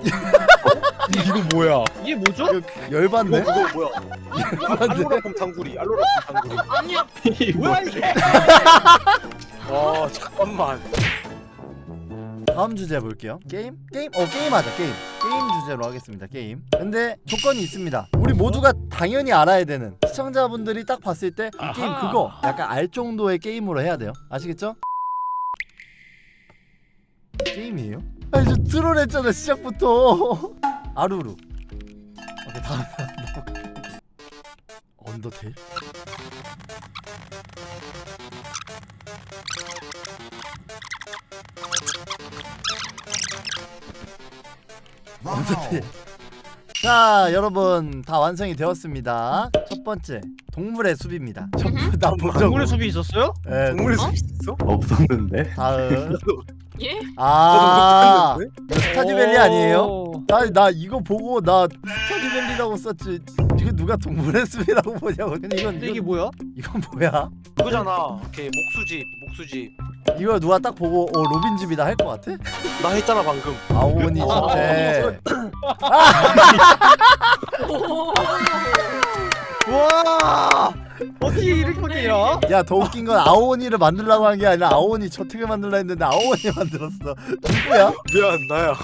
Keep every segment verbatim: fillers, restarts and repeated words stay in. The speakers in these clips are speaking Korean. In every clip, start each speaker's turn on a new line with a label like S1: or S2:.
S1: 이거 뭐야?
S2: 이게 뭐죠?
S3: 이거 열받네.
S4: 그거 뭐야? 알로라폼 당구리, 알로라폼 당구리.
S5: 아니야.
S2: 뭐야 이게?
S4: 와 잠깐만.
S3: 다음 주제 볼게요. 게임? 게임? 어 게임하자. 게임. 게임 주제로 하겠습니다. 게임. 근데 조건이 있습니다. 우리 모두가 당연히 알아야 되는, 시청자분들이 딱 봤을 때 이 게임 그거 약간 알 정도의 게임으로 해야 돼요. 아시겠죠? 게임이에요? 아니 저 트롤했잖아 시작부터. 아루루. 오케이 다음. 언더테일? 언더테일. 자 여러분 다 완성이 되었습니다. 첫 번째 동물의 숲입니다. 나본 적.
S2: 동물의 숲이 있었어요?
S3: 네,
S4: 동물의
S5: 어?
S4: 숲 있어?
S6: 없었는데.
S3: 다음.
S5: 예?
S3: 아
S4: 나도
S3: 이거 스타듀밸리 아니에요?
S2: 오.
S3: 나, 나 이거 보고 나 스타듀밸리라고 썼지. 이거 누가 동물의 숲이라고 보냐고. 근데 이건
S2: 근데 이게
S3: 이건,
S2: 뭐야?
S3: 이건 뭐야?
S4: 그거잖아. 걔 목수집, 목수집.
S3: 이거 누가 딱 보고 어 로빈 집이다 할 것 같아?
S4: 나 했잖아 방금.
S3: 아오니 집에.
S5: 오.
S2: 와 어떻게 이렇게 해요?
S3: 야 더 웃긴 건 아오니를 만들라고 한 게 아니라 아오니 저택을 만들라 했는데 아오니 만들었어. 누구야?
S4: 미안 나야.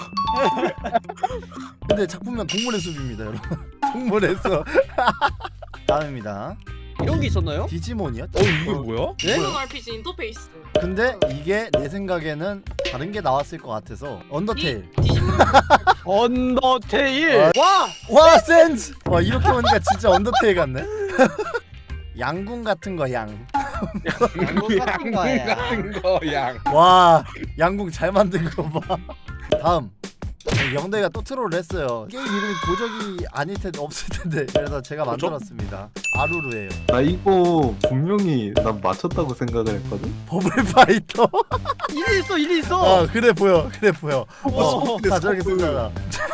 S3: 근데 작품명 동물의 숲입니다 여러분. 동물의 숲. 다음입니다.
S2: 이런 게 있었나요?
S3: 디지몬이요?
S1: 어 이게 뭐야?
S2: 네?
S5: 모노 알피지 인터페이스.
S3: 근데 이게 내 생각에는 다른 게 나왔을 것 같아서 언더테일.
S5: 디지몬.
S2: 언더테일.
S3: 아.
S2: 와
S3: 와 센스! 와 이렇게 보니까 진짜 언더테일 같네. 양궁 같은 거 양.
S2: 양궁 같은 거야.
S1: 같은 거 양.
S3: 와 양궁 잘 만든 거 봐. 다음 영대가 또 트롤을 했어요. 게임 이름이 도적이 아닐 텐데 없을 텐데 그래서 제가
S4: 도적?
S3: 만들었습니다. 아루루예요.
S6: 나 이거 분명히 난 맞췄다고 생각을 했거든.
S3: 버블 파이터.
S2: 일이 있어 일이 있어.
S3: 어 그래 보여 그래 보여.
S2: 어.
S3: 다 저렇게 쓰잖아.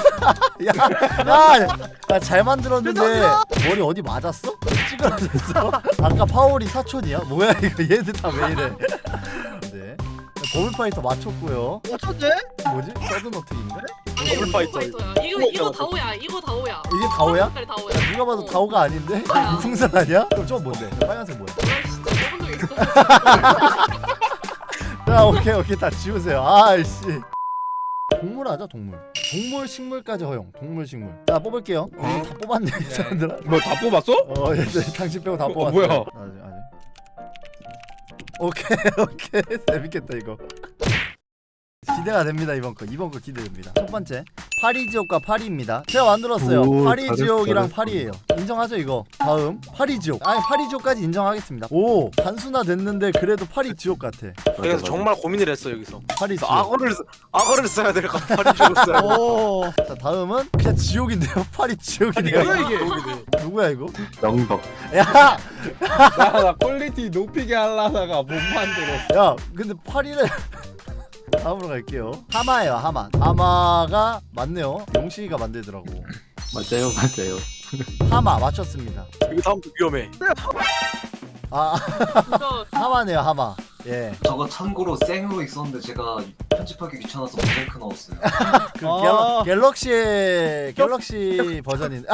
S3: 야야잘 만들었는데 머리 어디 맞았어? 찌그러졌어? 아까 파월이 사촌이야? 뭐야 이거 얘들 다 왜 이래? 네. 버블 파이터 맞췄고요.
S2: 어쩐데?
S3: 뭐지? 서든 어택인가?
S5: 아니
S4: 더블
S5: 이거
S4: 파이터.
S5: 파이터야. 이거 이거 다오야. 이거 다오야.
S3: 이게 다오야?
S5: 색깔이 다오야.
S3: 누가 봐도 다오가 아닌데?
S5: 뭐야?
S3: 무풍선 아니야? 그럼 저거 뭔데? 빨간색 뭐야?
S5: 뭐야 진짜 먹은 적 있어?
S3: 자 오케이 오케이 다 지우세요. 아이씨. 동물 하자 동물. 동물 식물까지 허용. 동물 식물. 자 뽑을게요. 어, 다 뽑았네 이 사람들아.
S1: 뭐 다 뽑았어?
S3: 어 얘들 당신 빼고 다
S1: 어,
S3: 뽑았어.
S1: 뭐야?
S3: 아직 아직. 오케이 오케이 재밌겠다 이거. 기대가 됩니다 이번 거. 이번 거 기대됩니다. 첫 번째 파리지옥과 파리입니다. 제가 만들었어요.
S6: 오,
S3: 파리지옥이랑
S6: 잘했어,
S3: 파리예요. 인정하죠 이거. 다음 파리지옥. 아니 파리지옥까지 인정하겠습니다. 오 단순화 됐는데 그래도 파리지옥 같아.
S4: 그래서 정말 고민을 했어 여기서.
S3: 파리지옥.
S4: 그래서 악어를 쓰- 악어를 써야 될까 파리지옥을 써야 될까.
S2: 오.
S3: 자 다음은 그냥 지옥인데요. 파리지옥이네요.
S2: 뭐야 이게?
S3: 누구야 이거?
S6: 영덕.
S3: 야!
S1: 나, 나 퀄리티 높이게 하려다가 못 만들었어.
S3: 야 근데 파리를 다음으로 갈게요. 하마예요 하마. 하마가 맞네요. 용식이가 만들더라고.
S6: 맞아요, 맞아요.
S3: 하마 맞췄습니다.
S4: 이거 다음부터 위험해.
S3: 아
S5: 이거
S3: 하마네요 하마. 예.
S7: 저거 참고로 생으로 있었는데 제가 편집하기 귀찮아서 모자이크 넣었어요.
S3: 그
S2: 아.
S3: 갤럭, 갤럭시의 갤럭시 버전인.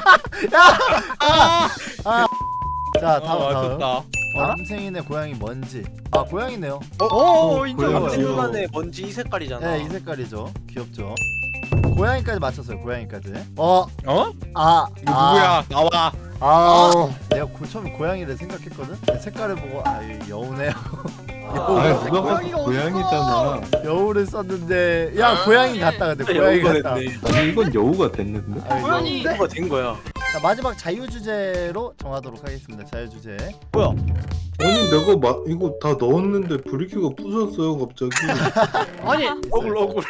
S3: 아. 자
S1: 아
S3: 다음 다음.
S1: 맞췄다.
S3: 남생인의 고양이 뭔지. 아 고양이네요.
S2: 오 인정.
S6: 고양이.
S4: 남생만의 먼지 이 색깔이잖아.
S3: 네 이 색깔이죠. 귀엽죠. 고양이까지 맞췄어요. 고양이까지. 어.
S1: 어?
S3: 아.
S1: 이거
S3: 아.
S1: 누구야? 나와.
S3: 아. 내가 고, 처음에 고양이를 생각했거든. 근데 색깔을 보고 아 이거 여우네요.
S6: 아,
S3: 여우.
S6: 누가 봐도
S2: 고양이가
S6: 고양이잖아.
S3: 여우를 썼는데 야 고양이 같다 근데
S4: 진짜
S3: 고양이
S4: 여우가
S3: 같다.
S4: 됐네.
S6: 아니 이건 여우가 됐는데.
S3: 아이고.
S5: 아니
S4: 여우가 된 거야.
S3: 자 마지막 자유 주제로 정하도록 하겠습니다. 자유 주제.
S2: 뭐야?
S8: 아니 내가 마, 이거 다 넣었는데 브리큐가 부셨어요 갑자기.
S2: 아니
S4: 억울 억울.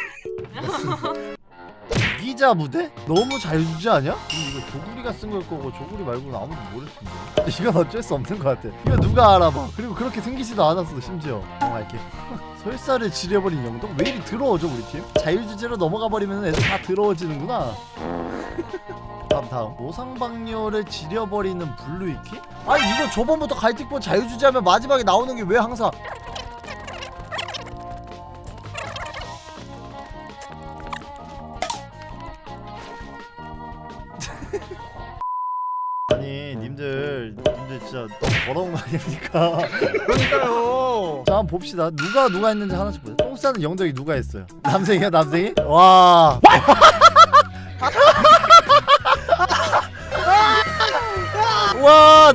S3: 기자 무대? 너무 자유 주제 아니야? 근데 이거 조구리가 쓴 걸 거고 조구리 말고는 아무도 모를 텐데. 이건 어쩔 수 없는 것 같아. 이거 누가 알아봐. 그리고 그렇게 생기지도 않았어 심지어. 넘어갈게. 설사를 지려버린 영덕? 왜 이리 더러워져 우리 팀? 자유 주제로 넘어가 버리면 애들 다 더러워지는구나. 다음 다음 노상방뇨를 지려버리는 블루이키? 아니 이거 저번부터 갈틱본 자유주제하면 마지막에 나오는 게 왜 항상 아니 님들 님들 진짜 너무 더러운 거 아닙니까?
S2: 그러니까요.
S3: 자 한번 봅시다. 누가 누가 했는지 하나씩 보자. 똥 싸는 영덕이 누가 했어요? 남생이야 남생이? 와. 와.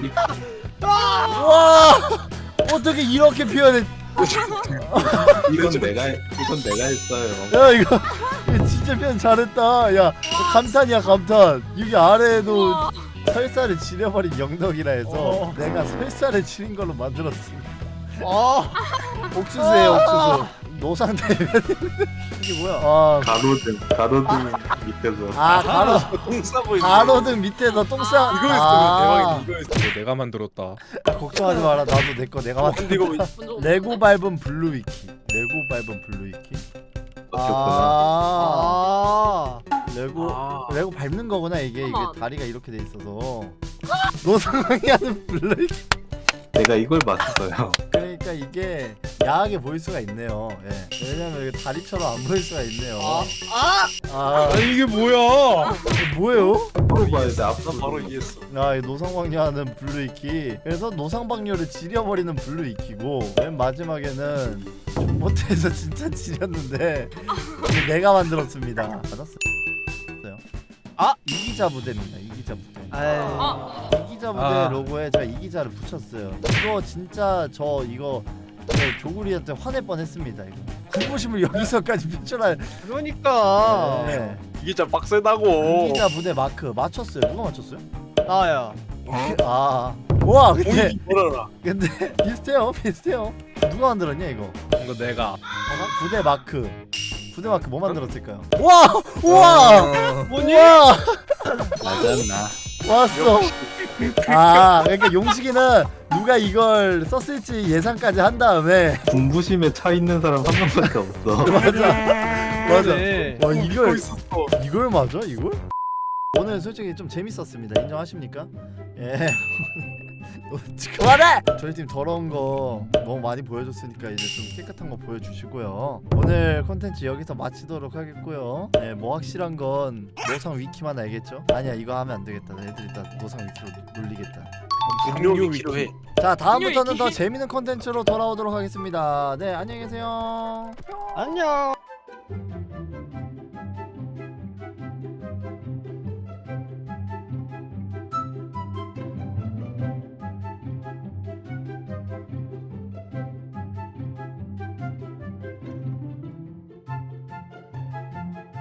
S3: 와. 어떻게 이렇게 표현해?
S6: 이건 내가 이건 내가 했어요.
S3: 야 이거, 이거 진짜 표현 잘했다. 야 감탄이야 감탄. 여기 아래에도
S5: 우와.
S3: 설사를 지려버린 영덕이라 해서
S2: 어.
S3: 내가 설사를 지린 걸로 만들었습니다.
S2: 어.
S3: 옥수수예요 옥수수. 노상 대면 이게 뭐야? 아,
S6: 가로등 가로등 밑에서.
S3: 아 가로
S4: 똥 싸고 있는.
S3: 가로등 밑에서 똥싸.
S1: 이거 했으면 대박이다. 이거 했으면 내가 만들었다.
S3: 걱정하지 마라. 나도 내 거 내가 만든.
S4: 근데 이거
S5: 먼저
S3: 레고 밟은 블루 위키. 레고 밟은 블루 위키.
S6: 바뀌었구나.
S3: 아,
S2: 아.
S3: 레고
S4: 아.
S3: 레고 밟는 거구나 이게 이게
S5: 잠깐만.
S3: 다리가 이렇게 돼 있어서. 노상이 하는 블루 위키.
S6: 내가 이걸 맞췄어요.
S3: 그러니까 이게 야하게 보일 수가 있네요. 예. 왜냐면 이게 다리처럼 안 보일 수가 있네요.
S2: 아.
S3: 아,
S1: 아니 이게 뭐야?
S3: 이게 뭐예요?
S6: 앞으로 봐야 돼. 앞으로.
S4: 난 바로 이해했어.
S3: 아, 이 노상방뇨하는 블루 이키. 그래서 노상방뇨를 지려버리는 블루 이키고 맨 마지막에는 존버트에서 진짜 지렸는데 이게 내가 만들었습니다. 맞았어요.
S2: 아!
S3: 이기자 부대입니다. 이기자 부대.
S2: 아이.
S5: 아
S3: 이기자 부대
S1: 아.
S3: 로고에 제가 이기자를 붙였어요. 이거 진짜 저 이거 네, 조구리한테 화낼 뻔했습니다. 이거 군부심을 여기서까지 표출할.
S2: 그러니까.
S3: 네.
S4: 이게 진짜 빡세다고.
S3: 이기자 부대 마크 맞췄어요. 누가 맞췄어요?
S2: 나야.
S3: 아, 와 근데
S4: 오이 뭐라라.
S3: 근데 비슷해요, 비슷해요. 누가 만들었냐 이거?
S1: 이거 내가.
S3: 부대 마크. 부대 마크 뭐 만들었을까요? 와, 우와,
S2: 뭐니?
S3: 우와,
S6: 맞았나?
S3: 왔어. 아, 그러니까 용식이는 누가 이걸 썼을지 예상까지 한 다음에
S6: 분부심에 차 있는 사람 한 명밖에 없어.
S3: 맞아, 맞아.
S2: 네.
S3: 와 이걸
S4: 있었어.
S3: 이걸 맞아 이걸? 오늘 솔직히 좀 재밌었습니다. 인정하십니까? 예. 그만해! 저희 팀 더러운 거 너무 많이 보여줬으니까 이제 좀 깨끗한 거 보여주시고요. 오늘 콘텐츠 여기서 마치도록 하겠고요. 예, 뭐 확실한 건 노상 위키만 알겠죠? 아니야 이거 하면 안 되겠다. 애들이 다 노상 위키로 놀리겠다.
S4: 분뇨 위키로 해.
S3: 자 다음부터는
S5: 위키.
S3: 더 재밌는 콘텐츠로 돌아오도록 하겠습니다. 네 안녕히 계세요.
S2: 안녕.